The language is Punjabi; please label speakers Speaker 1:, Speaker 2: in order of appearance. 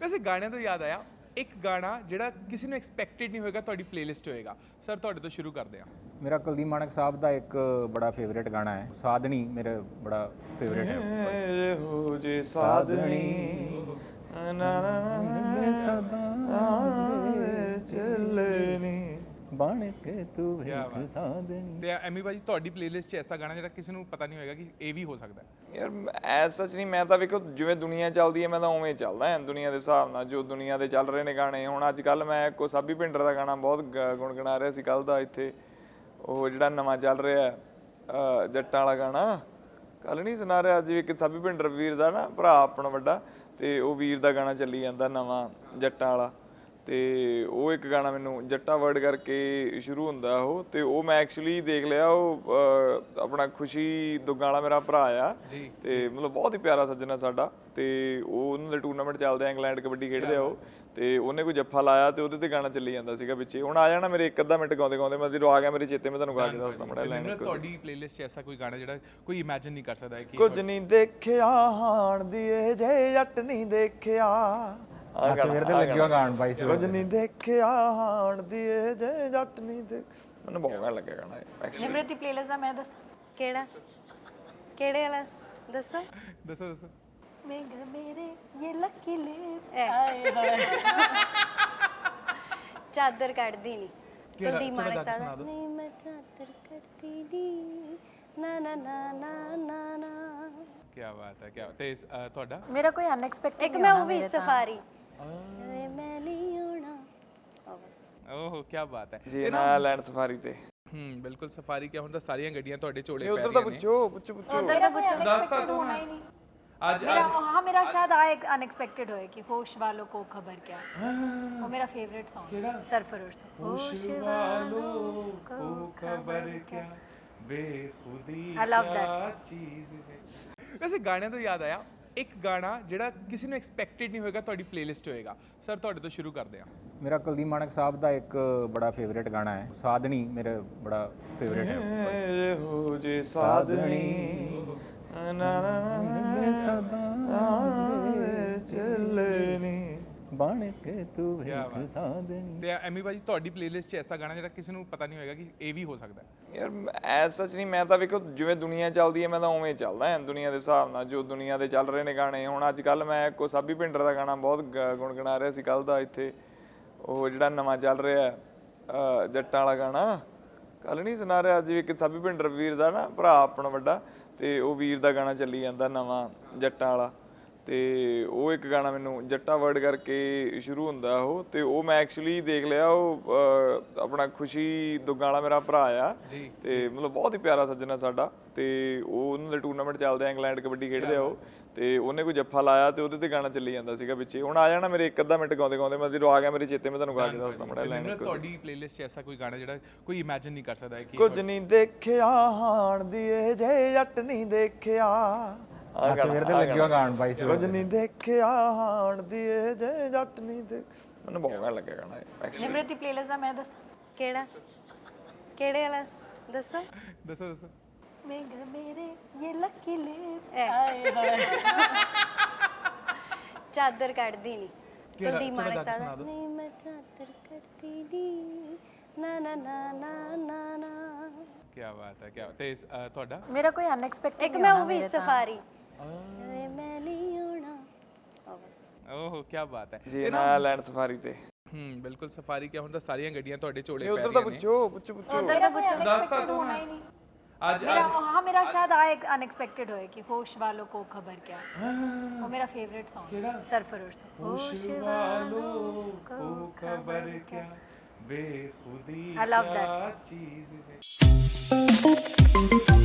Speaker 1: वैसे गाने तो याद आया एक गाना ਜਿਹੜਾ ਕਿਸੇ ਨੂੰ ਐਕਸਪੈਕਟਡ ਨਹੀਂ ਹੋਏਗਾ ਤੁਹਾਡੀ ਪਲੇਲਿਸਟ ਹੋਏਗਾ ਸਰ ਤੁਹਾਡੇ ਤੋਂ ਸ਼ੁਰੂ ਕਰਦੇ ਹਾਂ
Speaker 2: मेरा कुलदीप मानक साहब का एक बड़ा फेवरेट गाना है साधनी मेरा बड़ा फेवरेट है
Speaker 3: हो जे साधनी ना ना चलनी
Speaker 2: बन के तू एक साधनी
Speaker 1: ਤੇ ਐਮੀ ਭਾਜੀ ਤੁਹਾਡੀ ਪਲੇਲਿਸਟ 'ਚ ਐਸਾ ਗਾਣਾ ਜਿਹੜਾ ਕਿਸੇ ਨੂੰ ਪਤਾ ਨਹੀਂ ਹੋਏਗਾ ਕਿ ਇਹ ਵੀ ਹੋ ਸਕਦਾ ਹੈ
Speaker 3: ਯਾਰ ਐਸ ਸੱਚ ਨਹੀਂ ਮੈਂ ਤਾਂ ਵੇਖੋ ਜਿਵੇਂ ਦੁਨੀਆ ਚੱਲਦੀ ਹੈ ਮੈਂ ਤਾਂ ਉਵੇਂ ਚੱਲਦਾ ਹਾਂ ਦੁਨੀਆ ਦੇ ਹਿਸਾਬ ਨਾਲ ਜੋ ਦੁਨੀਆ ਦੇ ਚੱਲ ਰਹੇ ਨੇ ਗਾਣੇ ਹੁਣ ਅੱਜ ਕੱਲ ਮੈਂ ਕੋ ਸਾਬੀ ਭਿੰਡਰ ਦਾ ਗਾਣਾ ਬਹੁਤ ਗੁਣਗੁਣਾ ਰਿਹਾ ਸੀ ਕੱਲ ਦਾ ਇੱਥੇ ਉਹ ਜਿਹੜਾ ਨਵਾਂ ਚੱਲ ਰਿਹਾ ਜੱਟਾਂ ਵਾਲਾ ਗਾਣਾ ਕੱਲ ਨਹੀਂ ਸੁਣਾ ਰਿਹਾ ਅੱਜ ਇੱਕ ਸਾਬੀ ਭਿੰਡਰ ਵੀਰ ਦਾ ਨਾ ਭਰਾ ਆਪਣਾ ਵੱਡਾ ਤੇ ਉਹ ਵੀਰ ਦਾ ਗਾਣਾ ਚੱਲੀ ਜਾਂਦਾ ਨਵਾਂ ਜੱਟਾਂ ਵਾਲਾ ਤੇ ਉਹ ਇੱਕ ਗਾਣਾ ਮੈਨੂੰ ਜੱਟਾ ਵਰਡ ਕਰਕੇ ਸ਼ੁਰੂ ਹੁੰਦਾ ਉਹ ਤੇ ਉਹ ਮੈਂ ਐਕਚੁਅਲੀ ਦੇਖ ਲਿਆ ਉਹ ਆਪਣਾ ਖੁਸ਼ੀ ਦੁੱਗਾ ਵਾਲਾ ਮੇਰਾ ਭਰਾ ਆ ਤੇ ਮਤਲਬ ਬਹੁਤ ਹੀ ਪਿਆਰਾ ਸੱਜਣਾ ਸਾਡਾ ਤੇ ਉਹ ਉਹਨਾਂ ਦੇ ਟੂਰਨਾਮੈਂਟ ਚੱਲਦੇ ਆ ਇੰਗਲੈਂਡ ਕਬੱਡੀ ਖੇਡਦੇ ਆ ਉਹ ਤੇ ਉਹਨੇ ਕੋਈ ਜੱਫਾ ਲਾਇਆ ਤੇ ਉਹਦੇ ਤੇ ਗਾਣਾ ਚੱਲੀ ਜਾਂਦਾ ਸੀਗਾ ਵਿੱਚੇ ਹੁਣ ਆ ਜਾਣਾ ਮੇਰੇ ਇੱਕ ਅੱਧਾ ਮਿੰਟ ਗਾਉਂਦੇ ਗਾਉਂਦੇ ਮੈਂ ਜਦੋਂ ਆ ਗਿਆ ਮੇਰੇ ਚੇਤੇ ਮੈਂ ਤੁਹਾਨੂੰ ਗਾ ਕੇ ਦੱਸਦਾ ਮੜਾ ਲਾਈਨ
Speaker 1: ਤੁਹਾਡੀ ਪਲੇਲਿਸਟ 'ਚ ਐਸਾ ਕੋਈ ਗਾਣਾ ਜਿਹੜਾ ਕੋਈ ਇਮੇਜਿਨ ਨਹੀਂ ਕਰ ਸਕਦਾ ਹੈ ਕਿ
Speaker 3: ਕੁਝ ਨਹੀਂ ਦੇਖਿਆ ਹਾਣ ਦੀ ਇਹ ਜੇ ਜੱਟ ਨਹੀਂ ਦੇਖਿਆ
Speaker 2: ਸਵੇਰ ਦੇ ਲੱਗਿਆ ਗਾਣ ਬਾਈ
Speaker 3: ਕੁਝ ਨਹੀਂ ਦੇਖਿਆ ਹਾਣ ਦੀ ਇਹ ਜੇ ਜੱਟ ਨਹੀਂ ਦੇਖ ਮੈਨੂੰ ਬਹੁਤ ਗਾਣਾ ਲੱਗਿਆ ਗਾਣਾ ਐਕਚੁਅਲੀ
Speaker 4: ਨਿਮਰਤੀ ਪਲੇਲਿਸਟ ਦਾ ਮੈਂ ਦੱਸ ਕਿਹੜਾ ਕਿਹੜੇ ਵਾਲਾ ਦੱਸੋ
Speaker 1: ਦੱਸੋ
Speaker 4: मेघ मेरे ये लकी लिप्स आए हाय चादर ਕੱਢਦੀ ਨਹੀਂ ਕੁਲਦੀਪ ਮਾਨਕ ਸਾਹਿਬ ਨਹੀਂ ਮੈਂ ਚਾਦਰ ਕੱਢਦੀ ਨਹੀਂ ਨਾ ਨਾ ਨਾ ਨਾ ਨਾ ਨਾ
Speaker 1: ਕੀ ਬਾਤ ਹੈ ਕੀ ਤੇ ਤੁਹਾਡਾ
Speaker 4: ਮੇਰਾ ਕੋਈ ਅਨਐਕਸਪੈਕਟਡ ਇੱਕ ਮੈਂ ਉਹ ਵੀ ਸਫਾਰੀ ਮੈਂ ਨਹੀਂ ਆਉਣਾ
Speaker 1: ਓਹ ਕੀ ਬਾਤ ਹੈ
Speaker 3: ਜੀ ਨਾ ਲੈਂਡ ਸਫਾਰੀ ਤੇ
Speaker 1: ਬਿਲਕੁਲ ਸਫਾਰੀ ਕਿਆ ਹੁੰਦਾ ਸਾਰੀਆਂ ਗੱਡੀਆਂ ਤੁਹਾਡੇ ਚੋਲੇ ਪੈ
Speaker 3: ਉਧਰ ਤਾਂ ਪੁੱਛੋ
Speaker 4: ਉਧਰ ਦਾ ਕੁਝ ਅਨਐਕਸਪੈਕਟਡ ਹੋਣਾ ਹੀ ਨਹੀਂ
Speaker 1: आज
Speaker 4: मेरा शायद आए अनएक्सपेक्टेड होए कि होश वालों को खबर क्या वो मेरा फेवरेट सॉन्ग है सरफरोश होश वालों को खबर क्या बेखुदी
Speaker 1: आई लव दैट चीज वैसे गाने तो याद आया एक गाना ਜਿਹੜਾ ਕਿਸੇ ਨੂੰ ਐਕਸਪੈਕਟਡ ਨਹੀਂ ਹੋਏਗਾ ਤੁਹਾਡੀ ਪਲੇਲਿਸਟ ਹੋਏਗਾ ਸਰ ਤੁਹਾਡੇ ਤੋਂ ਸ਼ੁਰੂ ਕਰਦੇ ਹਾਂ
Speaker 2: मेरा कुलदीप मानक साहब का एक बड़ा फेवरेट गाना है साधनी मेरा बड़ा फेवरेट है
Speaker 3: हो जे साधनी ना ना चलनी
Speaker 2: बन के तू एक साधनी
Speaker 1: ਤੇ ਐਮੀ ਭਾਜੀ ਤੁਹਾਡੀ ਪਲੇਲਿਸਟ 'ਚ ਐਸਾ ਗਾਣਾ ਜਿਹੜਾ ਕਿਸੇ ਨੂੰ ਪਤਾ ਨਹੀਂ ਹੋਏਗਾ ਕਿ ਇਹ ਵੀ ਹੋ ਸਕਦਾ ਹੈ
Speaker 3: ਯਾਰ ਐਸ ਸੱਚ ਨਹੀਂ ਮੈਂ ਤਾਂ ਵੇਖੋ ਜਿਵੇਂ ਦੁਨੀਆ ਚੱਲਦੀ ਹੈ ਮੈਂ ਤਾਂ ਉਵੇਂ ਚੱਲਦਾ ਹਾਂ ਦੁਨੀਆ ਦੇ ਹਿਸਾਬ ਨਾਲ ਜੋ ਦੁਨੀਆ ਦੇ ਚੱਲ ਰਹੇ ਨੇ ਗਾਣੇ ਹੁਣ ਅੱਜ ਕੱਲ ਮੈਂ ਕੋ ਸਾਬੀ ਭਿੰਡਰ ਦਾ ਗਾਣਾ ਬਹੁਤ ਗੁਣਗੁਣਾ ਰਿਹਾ ਸੀ ਕੱਲ ਦਾ ਇੱਥੇ ਉਹ ਜਿਹੜਾ ਨਵਾਂ ਚੱਲ ਰਿਹਾ ਜੱਟਾਂ ਵਾਲਾ ਗਾਣਾ ਕੱਲ ਨਹੀਂ ਸੁਣਾ ਰਿਹਾ ਅੱਜ ਇੱਕ ਸਾਬੀ ਭਿੰਡਰ ਵੀਰ ਦਾ ਨਾ ਭਰਾ ਆਪਣਾ ਵੱਡਾ ਤੇ ਉਹ ਵੀਰ ਦਾ ਗਾਣਾ ਚੱਲੀ ਜਾਂਦਾ ਨਵਾਂ ਜੱਟਾਂ ਵਾਲਾ ਤੇ ਉਹ ਇੱਕ ਗਾਣਾ ਮੈਨੂੰ ਜੱਟਾ ਵਰਡ ਕਰਕੇ ਸ਼ੁਰੂ ਹੁੰਦਾ ਉਹ ਤੇ ਉਹ ਮੈਂ ਐਕਚੁਅਲੀ ਦੇਖ ਲਿਆ ਉਹ ਆਪਣਾ ਖੁਸ਼ੀ ਦੁੱਗਾ ਵਾਲਾ ਮੇਰਾ ਭਰਾ ਆ ਤੇ ਮਤਲਬ ਬਹੁਤ ਹੀ ਪਿਆਰਾ ਸੱਜਣਾ ਸਾਡਾ ਤੇ ਉਹ ਉਹਨਾਂ ਦੇ ਟੂਰਨਾਮੈਂਟ ਚੱਲਦੇ ਆ ਇੰਗਲੈਂਡ ਕਬੱਡੀ ਖੇਡਦੇ ਆ ਉਹ ਤੇ ਉਹਨੇ ਕੋਈ ਜੱਫਾ ਲਾਇਆ ਤੇ ਉਹਦੇ ਤੇ ਗਾਣਾ ਚੱਲੀ ਜਾਂਦਾ ਸੀਗਾ ਵਿੱਚੇ ਹੁਣ ਆ ਜਾਣਾ ਮੇਰੇ ਇੱਕ ਅੱਧਾ ਮਿੰਟ ਗਾਉਂਦੇ ਗਾਉਂਦੇ ਮੈਂ ਜਦੋਂ ਆ ਗਿਆ ਮੇਰੇ ਚੇਤੇ ਮੈਂ ਤੁਹਾਨੂੰ ਗਾ ਕੇ ਦੱਸਦਾ ਮੜਾ ਲਾਈਨ
Speaker 1: ਤੁਹਾਡੀ ਪਲੇਲਿਸਟ 'ਚ ਐਸਾ ਕੋਈ ਗਾਣਾ ਜਿਹੜਾ ਕੋਈ ਇਮੇਜਿਨ ਨਹੀਂ ਕਰ ਸਕਦਾ ਹੈ ਕਿ
Speaker 3: ਕੁਝ ਨਹੀਂ ਦੇਖਿਆ ਹਾਣ ਦੀ ਇਹ ਜੇ ਜੱਟ ਨਹੀਂ ਦੇਖਿਆ
Speaker 2: ਸਵੇਰ ਦੇ ਲੱਗਿਆ ਗਾਣ ਬਾਈ
Speaker 3: ਕੁਝ ਨਹੀਂ ਦੇਖਿਆ ਹਾਣ ਦੀ ਇਹ ਜੇ ਜੱਟ ਨਹੀਂ ਦੇਖ ਮੈਨੂੰ ਬਹੁਤ ਗਾਣਾ ਲੱਗਿਆ ਗਾਣਾ ਐਕਚੁਅਲੀ
Speaker 4: ਨਿਮਰਤੀ ਪਲੇਲਿਸਟ ਦਾ ਮੈਂ ਦੱਸ ਕਿਹੜਾ ਕਿਹੜੇ ਵਾਲਾ ਦੱਸੋ
Speaker 1: ਦੱਸੋ
Speaker 4: मेघ मेरे ये लकी लिप्स आए हाय ਚਾਦਰ ਕੱਢਦੀ ਨਹੀਂ ਕੁਲਦੀਪ ਮਾਨਕ ਸਾਹਿਬ ਨਹੀਂ ਮੈਂ ਚਾਦਰ ਕੱਢਦੀ ਨਹੀਂ ਨਾ ਨਾ ਨਾ ਨਾ ਨਾ ਨਾ
Speaker 1: ਕੀ ਬਾਤ ਹੈ ਕੀ ਤੇ ਤੁਹਾਡਾ
Speaker 4: ਮੇਰਾ ਕੋਈ ਅਨਐਕਸਪੈਕਟਡ ਇੱਕ ਮੈਂ ਉਹ ਵੀ ਸਫਾਰੀ ਮੈਂ ਨਹੀਂ ਆਉਣਾ
Speaker 1: ਓਹ ਕੀ ਬਾਤ ਹੈ
Speaker 3: ਜੀ ਨਾ ਲੈਂਡ ਸਫਾਰੀ ਤੇ
Speaker 1: ਬਿਲਕੁਲ ਸਫਾਰੀ ਕਿਆ ਹੁੰਦਾ ਸਾਰੀਆਂ ਗੱਡੀਆਂ ਤੁਹਾਡੇ ਚੋਲੇ ਪੈ
Speaker 3: ਉਧਰ ਤਾਂ ਪੁੱਛੋ
Speaker 4: ਉਧਰ ਦਾ ਕੁਝ ਅਨਐਕਸਪੈਕਟਡ होना ही नहीं
Speaker 1: आज
Speaker 4: मेरा शायद आए अनएक्सपेक्टेड होए कि होश वालों को खबर क्या वो मेरा फेवरेट सॉन्ग है सरफरोश होश वालों को खबर क्या
Speaker 1: बेखुदी
Speaker 4: आई लव दैट
Speaker 1: चीज